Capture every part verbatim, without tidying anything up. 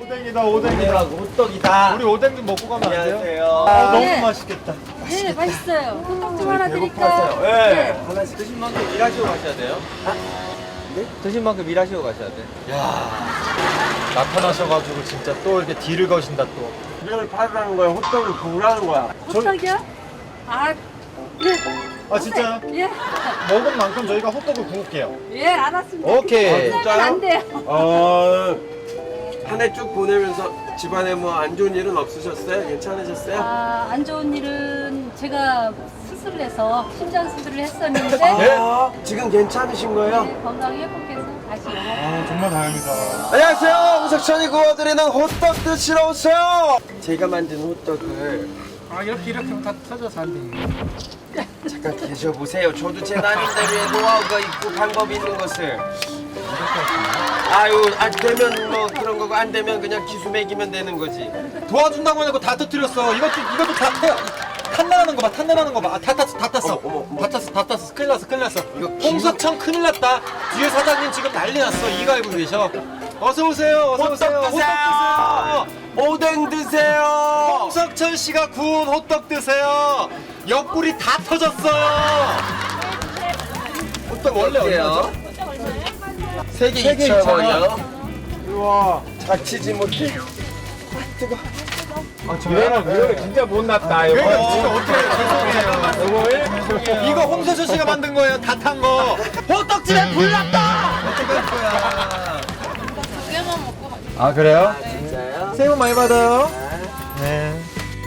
오뎅이다 오뎅이다. 호떡이다. 우리 오뎅 좀 먹고 가면 안 돼요? 안녕하세요. 아, 너무 네. 맛있겠다. 네, 맛있어요. 호떡 좀 하나 배고파서요. 드릴까요? 네. 하나씩 드신 만큼 일하시고 가셔야 돼요. 아? 네? 드신 만큼 일하시고 가셔야 돼. 야 나타나셔가지고 진짜 또 이렇게 딜을 거신다 또. 이걸 팔으라는 거야. 호떡을 구우라는 거야. 호떡이요? 아, 예. 아 진짜요? 예. 먹은 만큼 저희가 호떡을 구울게요. 예, 알았습니다. 오케이. 호떡은 안 돼요. 어, 한 해 쭉 보내면서 집안에 뭐 안 좋은 일은 없으셨어요? 괜찮으셨어요? 아, 안 좋은 일은 제가 수술을 해서 심장 수술을 했었는데 아, 지금 괜찮으신 거예요? 네, 건강이 회복해서 다시 아 정말 다행이다. 안녕하세요. 우석천이 구워드리는 호떡 드시러 오세요. 제가 만든 호떡을 아 이렇게 이렇게 하면 다 터져서 안 돼. 잠깐 드셔보세요. 저도 제 나름대로의 노하우가 있고 방법이 있는 것을. 아유, 안 되면 뭐 그런 거고 안 되면 그냥 기수 매기면 되는 거지. 도와준다고 해놓고 다 터뜨렸어. 이것도 이것도 다 태요. 탄내나는 거 봐. 탄내나는 거 봐. 아, 다 탔어. 다 탔어. 어머, 어머, 어머. 다 탔어. 다 탔어. 큰일 났어. 큰일 났어. 이거 홍석천 큰일 났다. 뒤에 사장님 지금 난리 났어. 이거 알고 계셔. 어서 오세요. 어서 오세요. 호떡 드세요. 오뎅 드세요. 홍석천 씨가 구운 호떡 드세요. 옆구리 다 터졌어요. 호떡 원래 어때요? 얼마죠? 세개 세개 이천 이천 원. 원이요. 우와. 다치지 못해. 뜨거. 아, 저는 이거는 진짜 못났다. 이거. 그러니까 진짜 어떻게 죄송해요. 이거 홍석천 씨가 만든 거예요. 다 탄 거. 호떡집에 불 났다. 어떡할 거야. 아 그래요? 진짜요? 새해 복 많이 받아요. 네.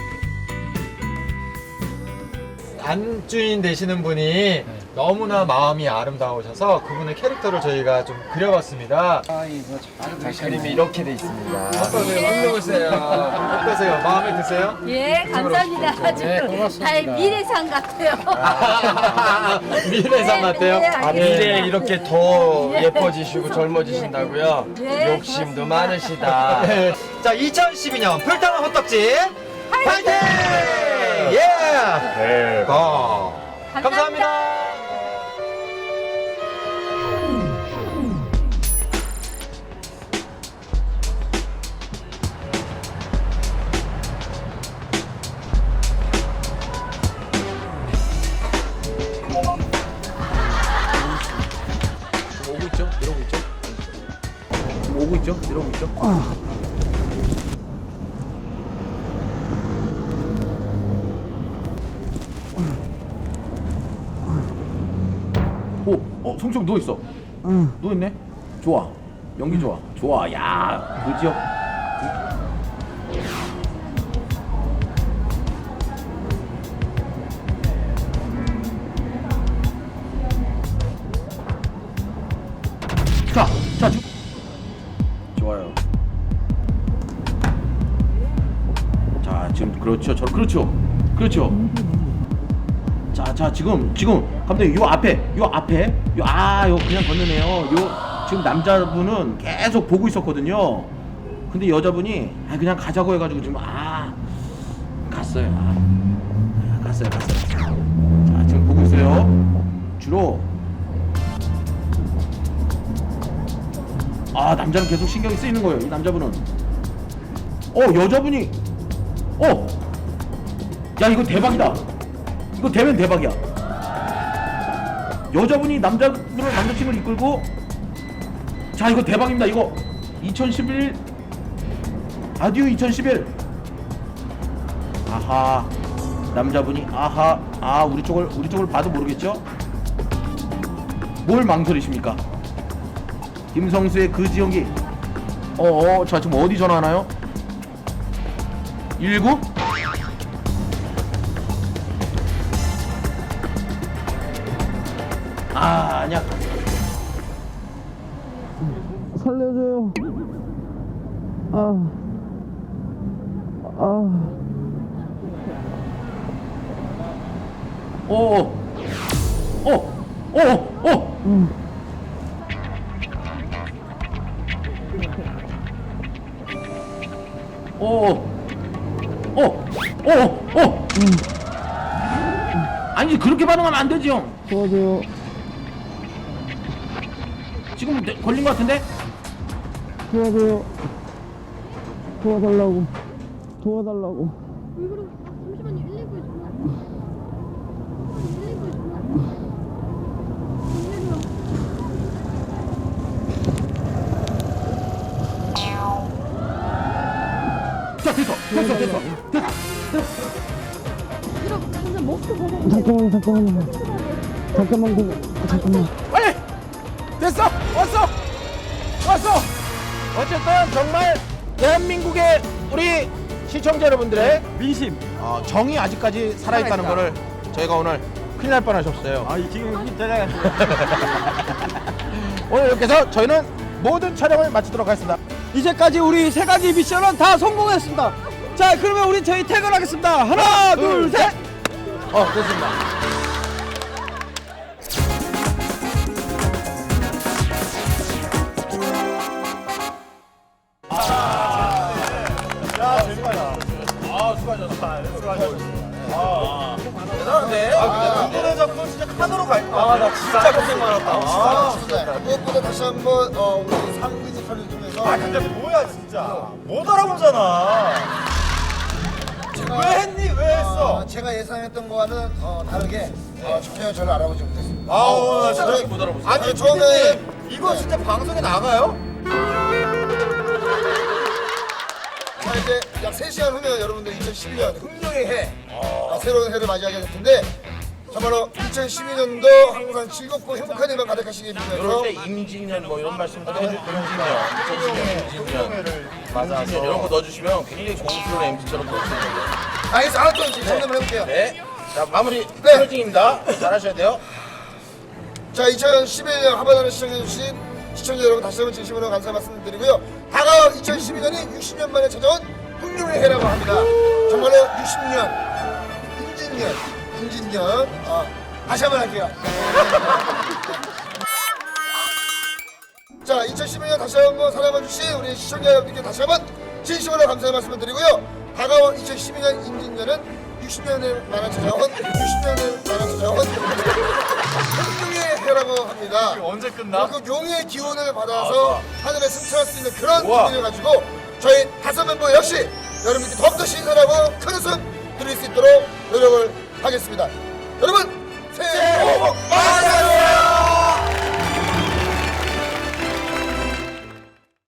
안주인 되시는 분이 너무나 마음이 아름다우셔서 그분의 캐릭터를 저희가 좀 그려봤습니다. 그림이 이렇게 돼 있습니다. 어떠세요? 훌륭하세요. 어떠세요? 마음에 드세요? 예, 감사합니다. 아주 네, 고맙습니다. 다 미래상 같아요. 아, 미래상 같아요? 네, 아, 네. 미래에 이렇게 더 예뻐지시고 젊어지신다고요? 네, 욕심도 고맙습니다. 많으시다. 네. 자, 이천십이 년 불타는 호떡집 파이팅! 예! 네. 고! 감사합니다. 오고 있죠? 이러고 있죠? 오고 있죠? 이러고 있죠? 오, 어, 성청 누워 있어. 응. 누워 있네. 좋아. 연기 좋아. 좋아. 야, 그 지역. 자, 자, 주... 좋아요. 자, 지금 그렇죠. 저 그렇죠. 그렇죠. 자, 자, 지금 지금 감독님 요 앞에, 요 앞에, 요 아, 요 그냥 건너네요. 요 지금 남자분은 계속 보고 있었거든요. 근데 여자분이 아 그냥 가자고 해가지고 지금 아 갔어요. 아, 갔어요, 갔어요. 자, 지금 보고 있어요. 주로 아 남자는 계속 신경이 쓰이는 거예요. 이 남자분은 어 여자분이 어 야 이거 대박이다. 이거 되면 대박이야. 여자분이 남자분을 남자친구를 이끌고 자 이거 대박입니다. 이거 이천십일 아듀 이천십일 아하 남자분이 아하 아 우리 쪽을 우리 쪽을 봐도 모르겠죠? 뭘 망설이십니까? 김성수의 그 지연기 어어 자 지금 어디 전화하나요? 일구? 아 아니야 살려줘요 아 아. 오, 오, 오, 오, 음. 오, 오, 오, 오. 음. 아니 그렇게 반응하면 안 되지 형. 도와줘요. 지금 내- 걸린 것 같은데? 도와줘요. 도와달라고. 도와달라고. 왜 그러? 잠시만요. 일일구에 전화. 일일구에 전화. 자 됐어 됐어 됐어 됐어. 이렇게 그냥 목도 보고. 잠깐만, 잠깐만. 잠깐만, 그, 잠깐만. 빨리 됐어 왔어 왔어. 어쨌든 정말 대한민국의 우리 시청자 여러분들의 민심, 어, 정이 아직까지 살아있다는 거를 저희가 오늘 큰일 날 뻔하셨어요. 아, 이 지금 제가 오늘 이렇게 해서 저희는 모든 촬영을 마치도록 하겠습니다. 이제까지 우리 세 가지 미션은 다 성공했습니다. 자, 그러면 우리 저희 퇴근하겠습니다. 하나, 둘, 셋. 어 됐습니다. 오늘 잡고 진짜 카드로 갈 거야. 아, 나 진짜 고생 많았다. 아, 무엇보다 다시 한번 어, 우리 상위지 편을 통해서 아, 근데 뭐야 진짜. 못 알아보잖아. 왜 했니? 왜 했어? 어, 제가 예상했던 거와는 어, 다르게 어, 전혀 저를 알아보지 못했습니다. 아우, 나 저희- 진짜 못 알아보지. 아니 처음에 이거 진짜 방송에 나가요? 자, 이제 약 세 시간 후면 여러분들 이천십이 년 흥룡의 해 어, 새로운 해를 맞이하게 될 텐데 정말로 이천십이 년도 항상 즐겁고 행복한 일만 가득하시길 빌면서 임진년 뭐 이런 말씀도 해주시면 임진년, 임진년, 맞아. 이런 거 넣어주시면 굉장히 고급스러운 엠지처럼 보일 수 있는데. 알겠어, 알았죠? 이제 정답을 해볼게요. 네. 자 마무리 네. 클로징입니다. 잘하셔야 돼요. 자, 이천십일 년 하반기를 시청해주신 시청자 여러분 다시 한번 진심으로 감사 말씀드리고요. 다가올 이천십이 년이 육십 년 만에 찾아온 흥룡의 해라고 합니다. 정말로 육십 년, 임진년, 임진년. 어, 다시 한번 할게요. 자, 이천십일 년 다시 한번 사랑해주신 우리 시청자 여러분께 다시 한번 진심으로 감사의 말씀을 드리고요. 다가올 이천십이 년 임진년은 육십 년을 만에 찾아온 육십 년을 만에 찾아온 흥룡의 해라고 합니다. 언제 끝나? 그 용의 기운을 받아서 하늘에 승천할 수 있는 그런 기운을 가지고 저희 다섯 멤버 역시 여러분께 더욱더 신선하고 큰 웃음 드릴 수 있도록 노력을 하겠습니다. 여러분